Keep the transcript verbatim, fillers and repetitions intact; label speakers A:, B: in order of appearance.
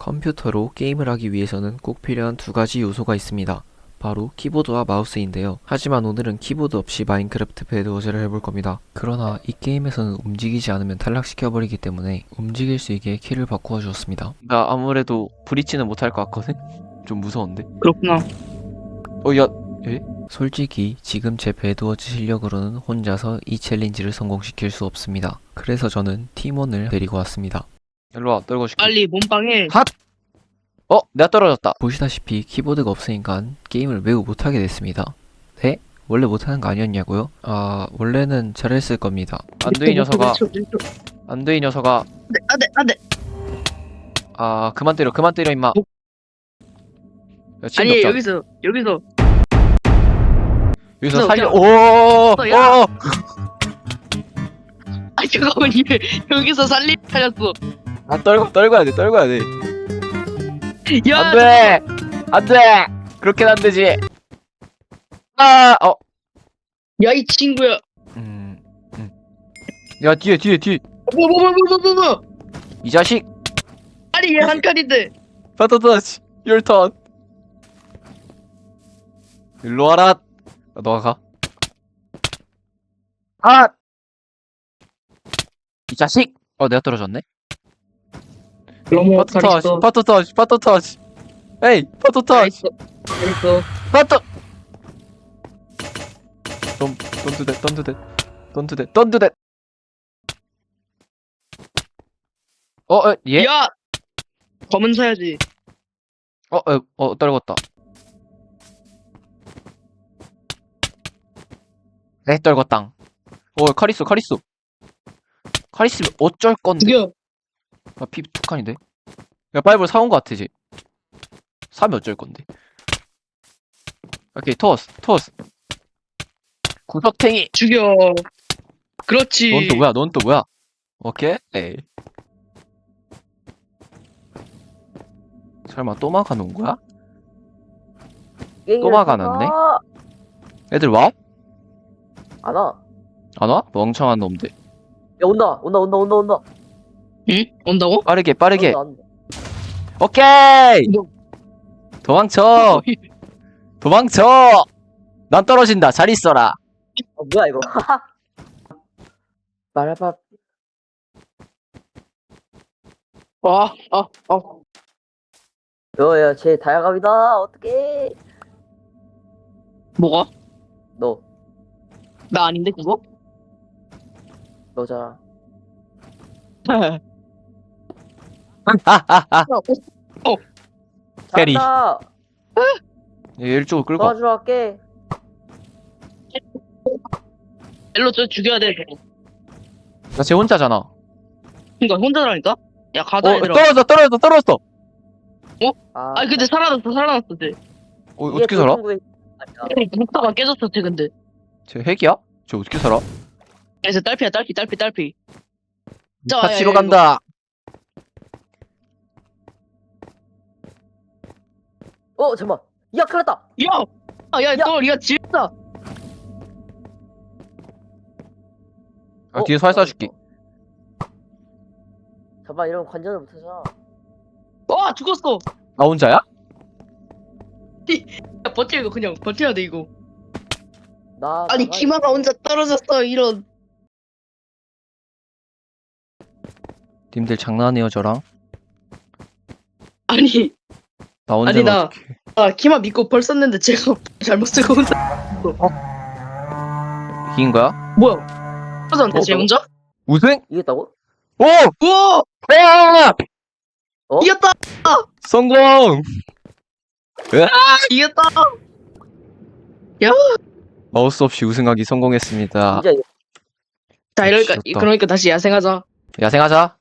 A: 컴퓨터로 게임을 하기 위해서는 꼭 필요한 두 가지 요소가 있습니다. 바로 키보드와 마우스인데요. 하지만 오늘은 키보드 없이 마인크래프트 배드워즈를 해볼 겁니다. 그러나 이 게임에서는 움직이지 않으면 탈락시켜버리기 때문에 움직일 수 있게 키를 바꾸어 주었습니다. 나 아무래도 브릿지는 못할 것 같거든? 좀 무서운데?
B: 그렇구나.
A: 어, 야, 에? 솔직히 지금 제 배드워즈 실력으로는 혼자서 이 챌린지를 성공시킬 수 없습니다. 그래서 저는 팀원을 데리고 왔습니다. 일로와, 떨궈줄게.
B: 빨리 몸빵해.
A: 핫! 어? 내가 떨어졌다. 보시다시피 키보드가 없으니까 게임을 매우 못하게 됐습니다. 네? 원래 못하는 거 아니었냐고요? 아, 원래는 잘했을 겁니다. 안돼 이 녀석아. 안돼 이 녀석아.
B: 안돼 안돼 안돼.
A: 아, 그만 때려 그만 때려 임마. 야, 지금
B: 아니
A: 덮자.
B: 여기서 여기서
A: 여기서
B: 너,
A: 살려.
B: 야.
A: 오!
B: 너, 야.
A: 오!
B: 아 잠깐만 얘 여기서 살림 살렸어.
A: 아, 떨고 떨궈야 돼. 떨궈야 돼.
B: 야
A: 안돼. 안돼. 그렇게는 안 되지. 아, 어.
B: 야 이 친구야.
A: 음. 음. 야, 뒤에 뒤에 뒤에.
B: 뭐뭐뭐뭐뭐뭐
A: 이 자식.
B: 아니 얘 한 칸인데.
A: 버터 터치. Your turn. 일로 와라. 아, 너가 가. 아! 이 자식! 어, 내가 떨어졌네?
B: 너무
A: 파토 터치, 파토 터치, 파토 터치. 에이, 파토 터치.
B: 잘했어.
A: 파토! Don't, don't do that, don't do that. Don't do that, don't do that. 어, 어, 예?
B: 야 검은 사야지.
A: 어, 어, 어, 떨궜다. 네, 떨궜당. 어, 카리스, 카리스. 카리스 어쩔 건데?
B: 죽여.
A: 아, 피 두 칸인데? 야, 바이블 사온 거 같아, 이제. 사면 어쩔 건데? 오케이, 토스, 토스. 구석탱이!
B: 죽여. 그렇지.
A: 넌 또 뭐야, 넌 또 뭐야? 오케이? 에이. 설마 또 막아놓은 거야? 또 막아놨네? 애들 와?
C: 안 와.
A: 안 와? 멍청한 놈들.
C: 야, 온다, 온다, 온다, 온다, 온다.
B: 응? 온다고?
A: 빠르게, 빠르게.
C: 온다, 온다.
A: 오케이!
B: 뭐-
A: 도망쳐! 도망쳐! 난 떨어진다. 잘 있어라.
C: 어, 뭐야, 이거. 말해봐.
B: 아, 아, 아.
C: 여, 야, 쟤 다이아갑이다. 어떡해.
B: 뭐가?
C: 너,
B: 나 아닌데 그거?
C: 너잖아.
A: 하하하. 페리.
C: 잘한다.
A: 얘 이쪽으로 끌고 와.
C: 도와주러 갈게.
B: 일로 저 죽여야 돼.
A: 나 쟤 혼자잖아. 어,
B: 그니까 혼자라니까? 야 가자 얘들아.
A: 떨어졌어, 떨어졌어, 떨어졌어!
C: 아,
B: 아니 근데 살아났어 살아났어 쟤.
A: 어, 어떻게 살아?
B: 목타가 깨졌어 쟤 근데.
A: 쟤 핵이야? 쟤 어떻게 살아?
B: 그래서 딸피야 딸피 딸피 딸피. 자,
A: 파치로
B: 야, 야,
A: 간다.
C: 어, 잠깐만. 야, 큰일 났다.
B: 야! 아, 야,
C: 야!
B: 너, 야, 지렸다!
A: 아, 뒤에서 활 쏴줄게.
C: 잠깐만, 이러면 관전을 못하잖아.
B: 와, 죽었어!
A: 나 혼자야?
B: 야, 버텨, 이거 그냥, 버텨야 돼, 이거.
C: 나.
B: 아니,
C: 나가-
B: 키마가 혼자 떨어졌어, 이런.
A: 님들 장난해요, 저랑?
B: 아니,
A: 나 혼자
B: 아니, 나-
A: 어떡해.
B: 아, 키마 믿고 벌 썼는데 제가 잘못 쓰고 혼자.
A: 이긴 거야?
B: 뭐야? 떨어졌는데,
A: 어,
B: 쟤 혼자?
A: 우승?
C: 이겼다고?
A: 오!
B: 우와!
A: 야!
C: 어?
B: 이겼다!
A: 성공!
B: 이겼다!
A: 마우스 없이 우승하기 성공했습니다.
C: 진짜 이겼-
B: 자, 이러니까,
A: 미쳤다.
B: 그러니까 다시 야생하자.
A: 야생하자.